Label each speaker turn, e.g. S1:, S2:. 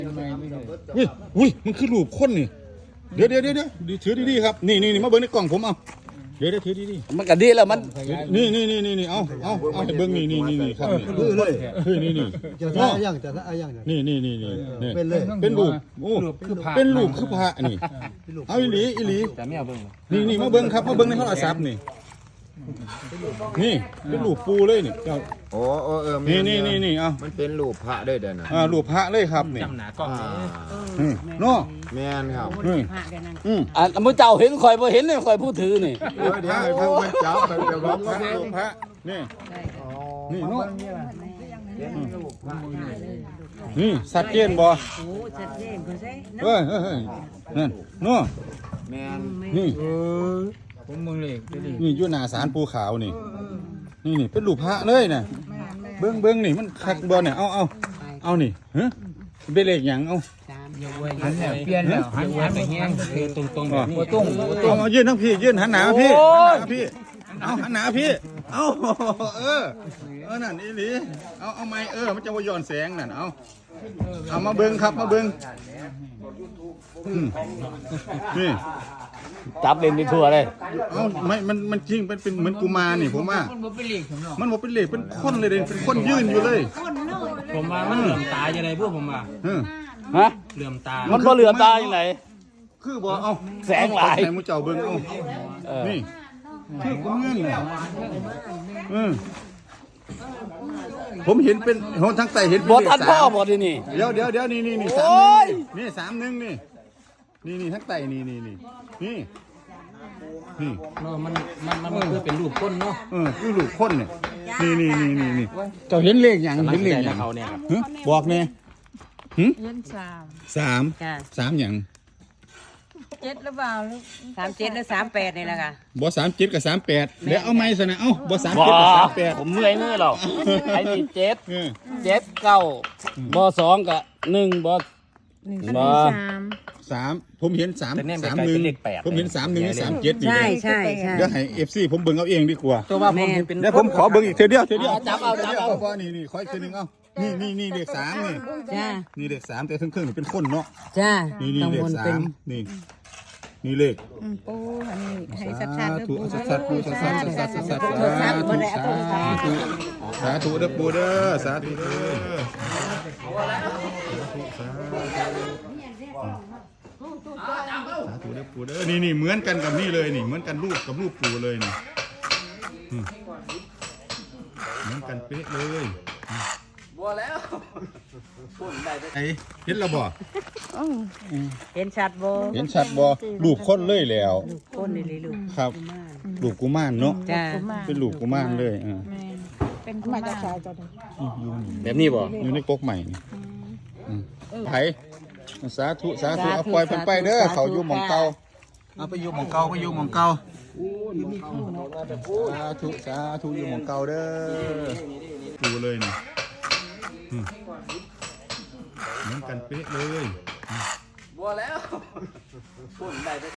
S1: อุ้ยมันคือรูปคนนี่เดี๋ยวถือดีๆครับนี่มาเบิ้งในกล่องผมเอาเดี๋ยวถือดี
S2: ๆมันก็ดีแล้วมัน
S1: นี่เอาให้เบิ้งนี่ครับ
S3: นี่เลย
S1: นี่
S3: จะท่าอย่าง
S1: นี่
S3: เป็นเลย
S1: เป็นรูปโอ้เป็นรูปคือพระนี่เอาอีหลี
S2: แต่ไม่เอาเบิ้ง
S1: นี่มาเบิ้งครับมาเบิ้งในโทรศัพท์นี่เป็นรูปปูเลยนี่
S4: โอ้
S1: นี่เอา
S4: มันเป็นรูปพระด้วยเด้อนะ
S1: รูปพระเลยครับนี่
S2: จำหนากล้อง
S1: เนาะ
S4: แม่นครับ
S2: มือเจ้าเห็นคอยพอเห็นเลยคอยพูดถือนี่
S4: เดี๋ยวให้พวกมันจับไปเดี๋ยวร้อง
S1: รูปพระนี่เนาะนี่สัตว์เจนบ่เฮ้ยนั่นเนาะ
S4: แม่น
S1: นี่
S2: ผมมึงเลย
S1: นี่อยู่หน้าศาลปูขาวนี่เป็นรูปพระเลยน่ะเบิ้งนี่มันคักบ่เนี่ยเอานี่ฮะเป็นเลขหยังเอา
S2: หันแล้วเปลี่ยนแล้วหันไปแห้งตรงแบบนี้
S1: เอายื่นทั้งพี่ยื่นหันหนาพี่เอาหันหนาพี่เอานั่นอีหลีเอาไม้มันจะว่าย้อนแสงนั่นเอามาเบิ้งครับมาเบิ้งนี่
S2: จับเล่นไปทั่วเลย
S1: ไม่มันจริงเป็นเหมือนกุมารนี่ผมว่ามันบอกเป็นเหล็กเป็นคนเลยเป็นคนยืนอยู่เลย
S2: ผมว่ามันเหลื่อมตาอย่างไรพวกผมว่า
S1: ฮะ
S2: เหลื่อมตา
S1: มัน
S2: ก็เหลื่อมตาอย่างไร
S1: คือบอกเอา
S2: แสงหลาย
S1: แสงมุจเจ้าเบิ้งนี่คือกุมารนี่ผมเห็นเป็นทั้งไตเห็น
S2: บอท่านพ่อบอที่นี่
S1: เดี๋ยวนี่31นี่ทั้งไตนี่
S2: มันคือเป็นรูปคนเนาะ
S1: คือรูปคนเนี่ยนี่เจ้าเห็นเลขอย่างเห็นเลขอย่างบอกเนี่ย
S5: เห็น
S1: 3อย่าง
S5: 7หรือเปล่า
S6: 37หรือ38นี่แหละค่ะ
S1: บ่37กับ38เดี๋ยวเอาไม้ซะนะบ่37กับ38
S2: ผมเมื่อยมือหรอกไอ้นี่7 9บ่2กับ1บ่3ผมเห็น31ผมเห็น31นี่37นี่
S6: ใช่
S1: เดี๋ยวให้ FC ผมเบิ่งเอาเองดีกว่า
S2: ตัวว่าผมเห็นเป็น
S1: เดี๋ยวผมขอเบิ่งอีกเทื่อเดียว
S2: จับเอา
S1: พอนี่ขออีกเทื่อนึงนี่เลข3นี่
S6: จ้า
S1: นี่เลข3แต่ครึ่งนี่เป็นคนเนาะ
S6: จ้า
S1: นี่เลข3นี่เลข
S5: ปูอันนี้ให้ชัดๆ
S1: ปูชัดสาธุเด้อปูเด้อสาธุเด้อปูเด้อนี่เหมือนกันกับนี่เลยนี่เหมือนกันรูปกับรูปปูเลยนี่เหมือนกันเป๊ะเลย
S2: บัวแล้ว
S1: ไอ้เห็นแล้วบ่
S6: เห็นชัดบ่
S1: รูปคนเลยแล้ว
S6: คนนี่เลยลูก
S1: ครับรูปกุมารเนาะ
S6: จ้า
S1: เป็นรูปกุมารเลย
S5: เป็นกุมารชายจ้ะ
S2: แบบนี้บ่
S1: อยู่ในก๊กใหม่นี่ไผสาธุเอาปล่อยเพิ่นไปเด้อเขาอยู่หม่องเก่าเอาไปอยู่หม่องเก่าสาธุอยู่หม่องเก่าเด้อดูเลยนี่เหมือนกันเป๊ะเลย
S2: บัวแล้ว